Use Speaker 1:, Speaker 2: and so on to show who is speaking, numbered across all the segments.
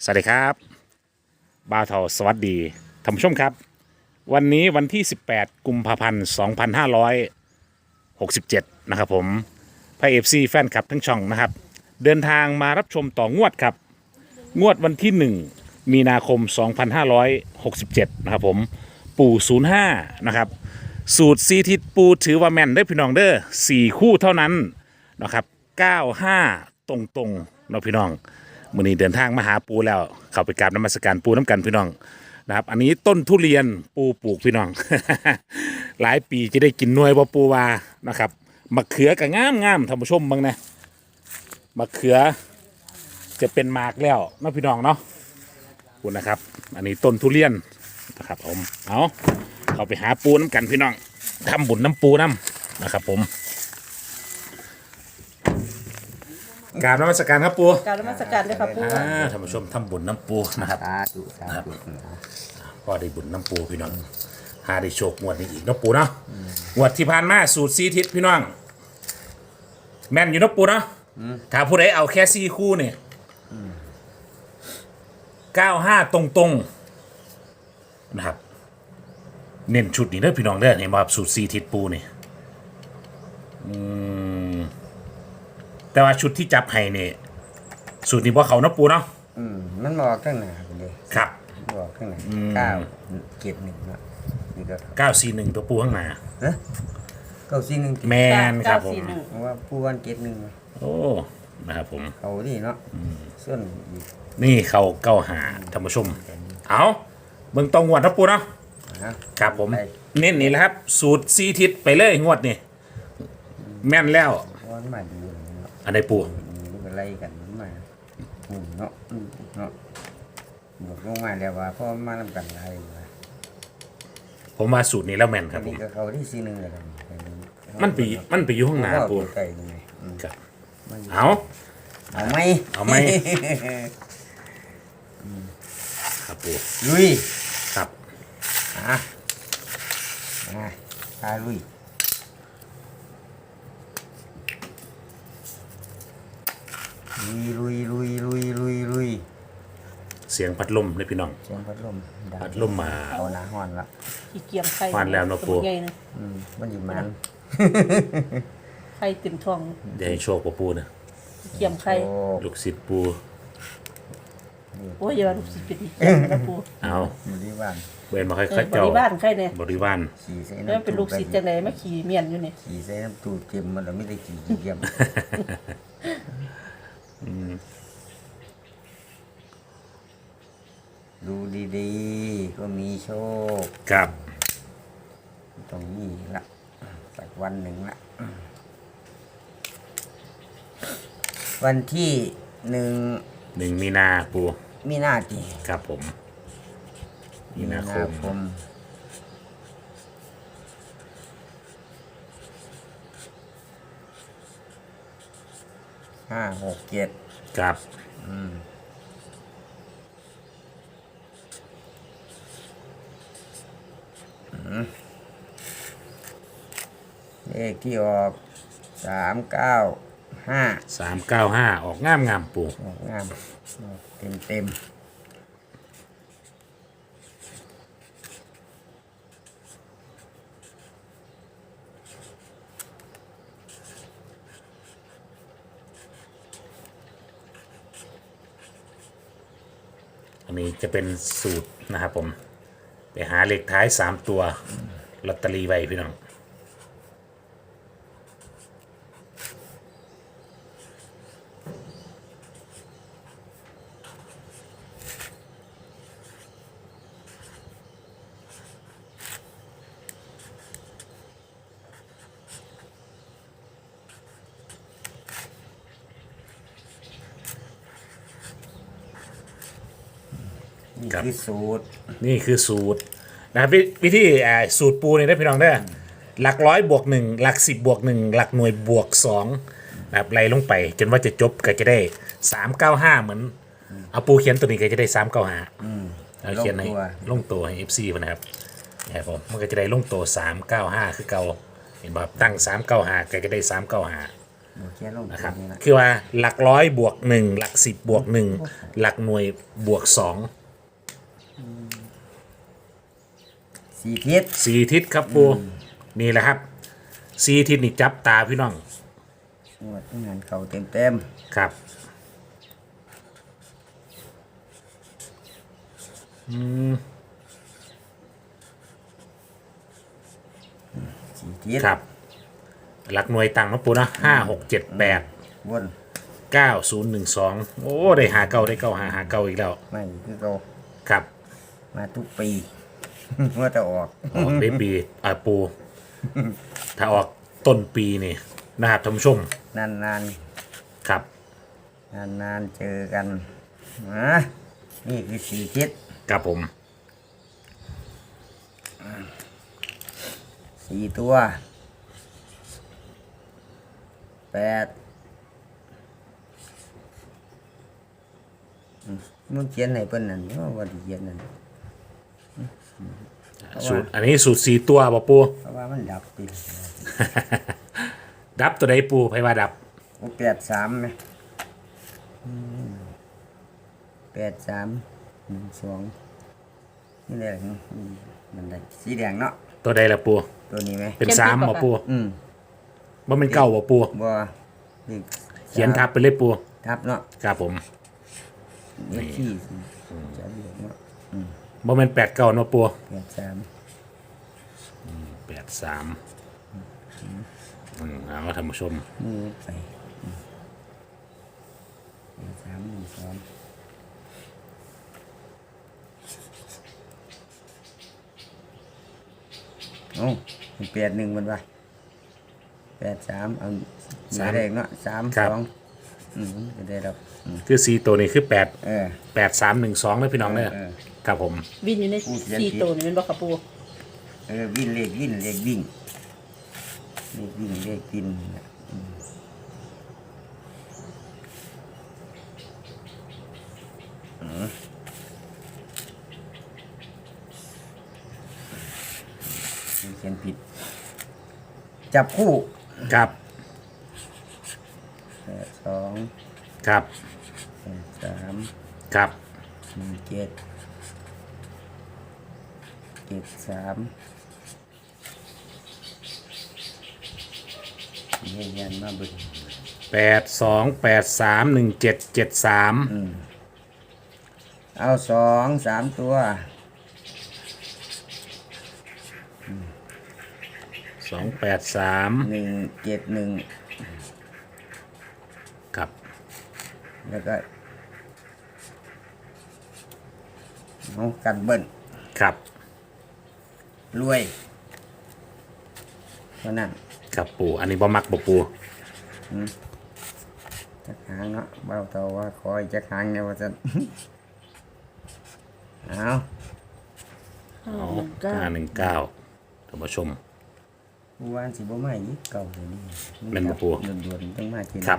Speaker 1: สวัสดีครับบ่าวเทาสวัสดีท่านผู้ชมครับวันนี้วันที่ 18 กุมภาพันธ์ 2567 นะครับผมพระเอฟซีแฟนคลับทั้งช่องนะครับเดินทางมารับชมต่องวดครับงวดวันที่ 1 มีนาคม 2567 นะครับผมปู่05นะครับสูตรซีทิศปูถือว่าแม่นได้อพี่น้องเด้อ4คู่เท่านั้นนะครับ95 ตรงๆเนาะพี่น้องมื้อนี้เดินทางมาหาปูแล้วเข้าไปกราบนมัสการปูน้ำกันพี่น้องนะครับอันนี้ต้นทุเรียนปูปลูกพี่น้อง หลายปีจะได้กินหน่วยบ่ปูวานะครับมะเขือก็งามท่านผู้ชมบ้างนะมะเขือจะเป็นหมากแล้วเนาะพี่น้องเนาะคุณนะครับอันนี้ต้นทุเรียนนะครับผมเอาเข้าไปหาปูน้ำกันพี่น้องทำบุญน้ำปูน้ำนะครับผมกราบนมัสการครับปู
Speaker 2: กรารนมัสการด้วยครับปู่
Speaker 1: ท่านผู้ชมทำบุญน้ำปูนะครับ
Speaker 3: สาธุสาธุ
Speaker 1: ก็ได้บุญน้ำปูพี่น้องหาได้โชคงวดนี้อีกน้ำปูเนาะงวดที่ผ่านมาสูตรซีทิศพี่น้องแม่นอยู่น้ำปูเนาะถ้าผู้ใดเอาแค่ซีคู่เนี่ย95 ตรงๆนะครับเน้นชุดนี้เด้อพี่น้องเด้อเห็นว่าสูตรซีทิศปูนี่แต่ว่าชุดที่จับให้เนี่ยสูตรนี้ว่าเขาน้ำปูเนาะ
Speaker 3: มันบอกข้างหน้าไปเลย
Speaker 1: ครับ
Speaker 3: บอกข้างหน้า971เนาะนี่ก็
Speaker 1: 941ตัวปูข้างหน้า
Speaker 3: ฮะ941
Speaker 1: แมนครับผม
Speaker 3: เพราะว่าผู้วัน71
Speaker 1: โอ้นะครับผม
Speaker 3: เขาที่เนาะส่วนอีก
Speaker 1: นี่เขา95ท่านผู้ชมเอาเบิ่งตรงงวดนะปูเนาะ
Speaker 3: ฮะ
Speaker 1: ครับผมเน้นนี่แหละครับสูตรซีทิศไปเลยงวดนี่แม่นแล้ว
Speaker 3: วันมาดูเนาะ
Speaker 1: อันใดปู
Speaker 3: มันก็ไล่กันมาเนาะเนาะบอกลงมาแล้วว่าพ่อมานำกันไล่ว่า
Speaker 1: ผมว่าสูตรนี้แล้วแม่นครับผ
Speaker 3: นี่
Speaker 1: ม
Speaker 3: ก็เขาที่41เลย
Speaker 1: มันไปอยู่ข้างหน้าปู
Speaker 3: ไก่นี่ไง
Speaker 1: ครับเอา
Speaker 3: เอาไหม
Speaker 1: เอาไหมครับปู
Speaker 3: ลุย
Speaker 1: ครับ
Speaker 3: พาลุยลุย
Speaker 1: เสียงพัดลมเลยพี่น้อง
Speaker 3: เสียงพัดลมดัง
Speaker 1: พัดลมมา
Speaker 3: เอาหน้าห้อนละ
Speaker 2: ขี้เกียจไข่
Speaker 1: หวานแล้วเนอะปู่
Speaker 2: ใหญ่นะ
Speaker 3: มันอยู่มัน
Speaker 2: ไข่เต็มท้อง
Speaker 1: เดี๋ยวให้โชคกับปูนะ
Speaker 2: ขี้เกียจไข่
Speaker 3: โอ้
Speaker 1: ลูกศิษย์ปู
Speaker 2: โอ้ยอย่าว่าลูกศิษย์เป็นอีกนะปู่
Speaker 1: เอา
Speaker 3: อยู่ที่บ้าน
Speaker 1: เวนมาค่อย
Speaker 2: บ
Speaker 1: ๆเจ้า
Speaker 2: ริบ้านไข่เนี่ย
Speaker 1: บริวาร
Speaker 3: ขี่ใส่
Speaker 2: แล้ว
Speaker 3: น้ำ
Speaker 2: เป็นลูกศิษย์จังไดมาขี่เมียนอยู่เนี่ย
Speaker 3: ขี่ใส่น้ำตูดเต็มมันเราไม่ได้ขี่เยี่ยมดูดีๆก็มีโชค
Speaker 1: ครับ
Speaker 3: ตรงนี้ละสักวันหนึ่งละวันที่1
Speaker 1: 1 มีนาปู
Speaker 3: มีนาที
Speaker 1: ครับผมมีนาคม
Speaker 3: 5 6 7
Speaker 1: ครับ
Speaker 3: เลขที่ออก395
Speaker 1: 395 ออกงามปู
Speaker 3: ออกงามเต็ม
Speaker 1: อันนี้จะเป็นสูตรนะครับผมไปหาเลขท้าย3ตัวลอตเตอรี่ไว้พี่น้อง
Speaker 3: นี่คือสูตร
Speaker 1: นี่คือสูตรนะครับวิธีสูตรปูนี่ได้พี่น้องได้อหลักร้อยบวก1หลัก10บวก1หลักหน่วยบวก2นะครับไล่ลงไปจนว่าจะจบก็จะได้395เหมือนเอาปูเขียนตัวนี้ก็จะได้395เอาเขียนให้ลงตัวให้ FC มันนะครับนะครับผมมันก็จะได้ลงตัว395คือเก่าเห็นบ่ตั้ง395ก็จะได้395
Speaker 3: บวกแค่ลง
Speaker 1: นะครับ
Speaker 3: นี่ละ
Speaker 1: คือว่าหลักร้อยบวกหนึ่งหลักสิบบวกหนึ่งหลักหน่วยบวกสอง
Speaker 3: สี่ทิศ
Speaker 1: สี่ทิศครับปูนี่แหละครับสี่ทิศนี่จับตาพี่น้อง
Speaker 3: งวดงานเขาเต็ม
Speaker 1: ครับ
Speaker 3: สี่ทิศ
Speaker 1: ครับหลักหน่วยตังค์นะปูนะ5 6 7 8
Speaker 3: วน
Speaker 1: 9 0 1 2โอ้ได้หาเก้าได้เก้าหาเก้าอีกแล้ว
Speaker 3: ไม่คือเขา
Speaker 1: ครับ
Speaker 3: มาทุกปี เมื่อจะออก
Speaker 1: ออกได้ปีปู ถ้าออกต้นปีนี่นะครับท่านผู้ชม
Speaker 3: นาน
Speaker 1: ครับ
Speaker 3: ๆเจอกันนะนี่คือสี่ทิศ
Speaker 1: ครับผม
Speaker 3: สี่ตัวแปดมึงเขียนไหนเปิ้นนั่นว่าที่เขียนนั่น
Speaker 1: สูตรอันนี้สูตรสี่ตัวบ่ปู
Speaker 3: เพราะว่ามันดับติ
Speaker 1: ดับตัวใดปูไพว่าดับ
Speaker 3: โอ้83ไหม83 12นี่แหละมันได้สีแดงเนาะ
Speaker 1: ตัวใดละปู
Speaker 3: ตัวนี้ไหม
Speaker 1: เป็นสามบ่ปู
Speaker 3: อืม
Speaker 1: บ่เป็นเก้าบ่ปู
Speaker 3: บ่นี่
Speaker 1: เขียนทับไปเลยปู
Speaker 3: ทับเนาะ
Speaker 1: ครับผม
Speaker 3: นี่ที่จะเรียกเนาะ
Speaker 1: บ่เป็น8 9เนาะปู
Speaker 3: 83
Speaker 1: 8 3เอาท่านผู้ชม
Speaker 3: นี่ไป83 12โอ้81มันว่า83เอาสามเลขเนาะ3 2ก็ได้รับ
Speaker 1: คือสี่ตัวนี้คือ8
Speaker 3: เออ
Speaker 1: 8 3 1 2เด้อพี่น้องเด้อ
Speaker 3: เออ
Speaker 1: ครับผม
Speaker 2: วินอยู่ใน
Speaker 3: พูดเรียน
Speaker 2: สี่
Speaker 3: ผิด
Speaker 2: ตัวนี่แมันบอกกับปู
Speaker 3: วิ่งเลขวิ่งเลขวิ่งเลขวิ่งเขียนผิด จับคู่
Speaker 1: ครับ
Speaker 3: 82
Speaker 1: ครับ
Speaker 3: 83
Speaker 1: ครับ
Speaker 3: 17 73เยี่ยนมาเบึก
Speaker 1: 8 2 8 3 1 7 7 3
Speaker 3: เอา2 3 ตัว
Speaker 1: 2 8 3
Speaker 3: 171
Speaker 1: ครับ
Speaker 3: แล้วก็เอากันเบิ้ล
Speaker 1: ครับ
Speaker 3: รวยเท่านั้น
Speaker 1: ครับปูอันนี้บ่มักบ่ปู
Speaker 3: จักหางเนาะเบาเตาว่าคอยจักหางเนี่ยว่าจะ เอา
Speaker 1: เอา
Speaker 2: เก้า
Speaker 1: 519ท่านผู้ชม
Speaker 3: ผู้วานสิบ่มาอีกเก่าเลยนี่
Speaker 1: แม่นบ่ปู่
Speaker 3: ด่วนๆต้องมากิน
Speaker 1: ครับ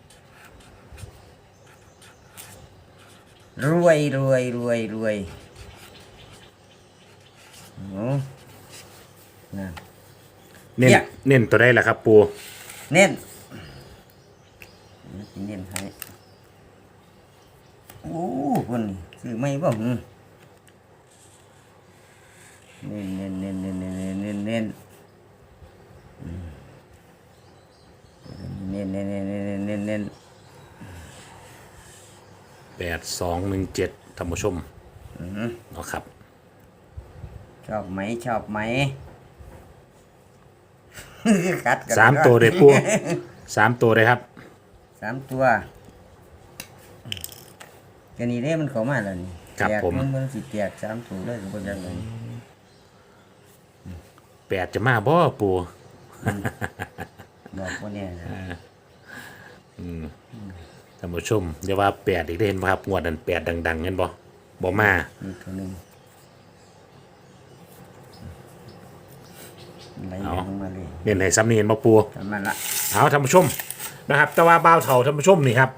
Speaker 3: รวยโอ้นั่น
Speaker 1: เน้น
Speaker 3: เนี่ย
Speaker 1: เน้นตัวได้ล่ะครับปู
Speaker 3: เน้นเน้นให้โอ้คนนี่ซื้อไม่บ่หึเน้น
Speaker 1: 8217ท่านผู้ชมเอาครับ
Speaker 3: ชอบไหมกัดกัน
Speaker 1: 3 ตัวเลยปู 3 ตัวเลยครับ
Speaker 3: 3 ตัวกันนี้เด้มันเข้ามาแล้วนี่
Speaker 1: ครับ
Speaker 3: แตก
Speaker 1: ผม
Speaker 3: มันสิแตก3ตัวเลยก็บ่จังได๋
Speaker 1: 8จะมาบ่ปู
Speaker 3: บอกว่าเนี่ยนะ
Speaker 1: ท่านผู้ชมอย่าว่า8อีกเด้เห็นบ่ครับงวดนั้น8ดังๆเห็นบ่บ่มา
Speaker 3: มีตัวหนึงไหลลงมาเลย
Speaker 1: เน้นให้ซ้ำนี่เห็นบ่ปู
Speaker 3: ทำมันละ
Speaker 1: เอาท่านผู้ชมนะครับแต่ว่าบ่าวเฒ่าท่านผู้ชมนี่ครับ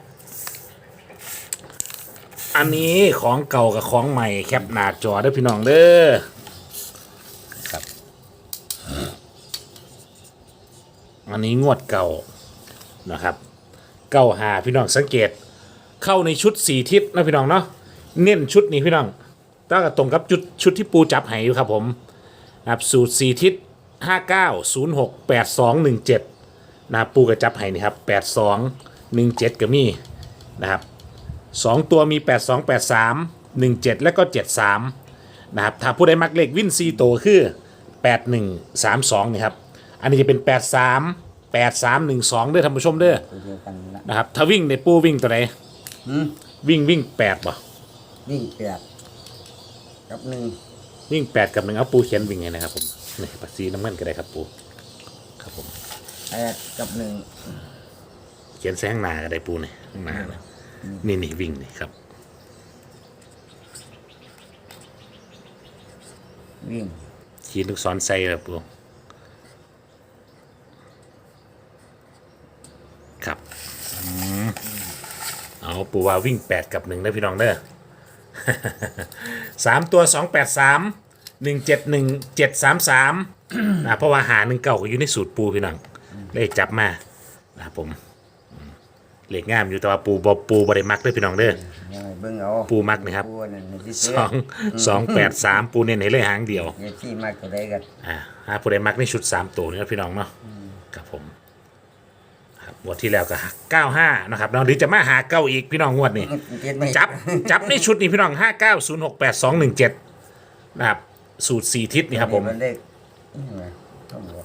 Speaker 1: อันนี้ของเก่ากับของใหม่แคปหน้าจอเด้อพี่น้องเด้อครับอันนี้งวดเก่านะครับเก้าหาพี่น้องสังเกตเข้าในชุด4ทิศนะพี่น้องเนาะเน้นชุดนี้พี่น้องตั้งแต่ตรงกับชุดที่ปูจับให้อยู่ครับผมนะครับสูตร4ทิศ59068217นะครับปูกระจับให้นี่ครับ8217ก็มีนะครับ2ตัวมี828317และก็73นะครับถ้าผู้ใดมักเลขวินซีโตคือ8132นี่ครับอันนี้จะเป็น838312เด้อท่านผู้ชมเด้อ
Speaker 3: ตัวเดียวกันละ
Speaker 1: นะครับถ้าวิ่งในปูวิ่งตัวไหน
Speaker 3: หืม
Speaker 1: วิ่ง8ป่ะ
Speaker 3: วิ่งแปดกับหนึ่ง
Speaker 1: วิ่ง8กับ1เอาปูเขียนวิ่งไงนะครับผมนี่ปัดสีน้ำเงินก็ได้ครับปูครับผม
Speaker 3: แปดกับหนึ่ง
Speaker 1: เขียนแซงหน้าก็ได้ปูนี่ข้างหน้านะนี่วิ่งนี่ครับ
Speaker 3: วิ่ง
Speaker 1: ขีดลูกศรใส่ครับปูครับเอาปูว่าวิ่ง8กับ1ได้พี่น้องเด้อ 3 ตัว 283 171 733นะเพราะว่าหา1เก่าก็อยู่ในสูตรปูพี่น้องเลยจับมานะครับผมเหล็กงามอยู่แต่ว่าปูบริมักด้วยพี่น้องเด้อ
Speaker 3: ยังไงเบิ่งเอา
Speaker 1: ปูมักนะครับ
Speaker 3: ปูนั่นที่เสือ
Speaker 1: 283 ปูเน้นให้เลยหางเดียว
Speaker 3: เนี่ยที่มากตัวใดกัน
Speaker 1: หาผู้ใดมักในชุด3ตัวนี่ครับพี่น้องเนาะครับผมครับงวดที่แล้วก็95นะครับเนาะหรือจะมาหาเก้าอีกพี่น้องงวดนี้
Speaker 3: เจ็ดไม่
Speaker 1: จับในชุดนี้พี่น้อง59068217นะครับสูตร4ทิศนี่ครับผม
Speaker 3: นเลขนี่ไงต้องบอก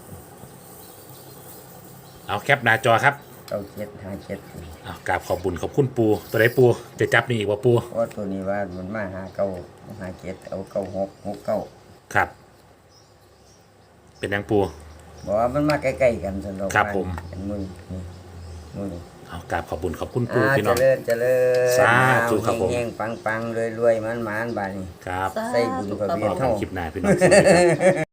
Speaker 1: เอาแคปหน้าจอครับ
Speaker 3: 9757
Speaker 1: เอากราบขอบบุญขอบคุณปูตัวไหนปูจะจับนี่อีกว่าปู
Speaker 3: เพราะตัวนี้ว่ามันมาหาเก้าหาเจ็ดเอาเก้าหกหกเก้า
Speaker 1: ครับ เป็นยังปู
Speaker 3: บอกว่ามันมาใกล้ๆกันสำหรับ
Speaker 1: ครับผม
Speaker 3: เห็นมือนี่มือนี่
Speaker 1: เอากราบขอบบุญขอบคุณปูพี่น้
Speaker 3: เจ
Speaker 1: อง
Speaker 3: ริญเจริญ
Speaker 1: สาธุครับผม
Speaker 3: เฮงๆปังๆรวยๆมันๆบาดนี้
Speaker 1: ครับ
Speaker 3: ใส่บุญกับเบีย
Speaker 1: ข
Speaker 3: ร์
Speaker 1: อบคุ
Speaker 3: เท่า
Speaker 1: ณคลิปหน้าพี่น้องสวัสดีครับ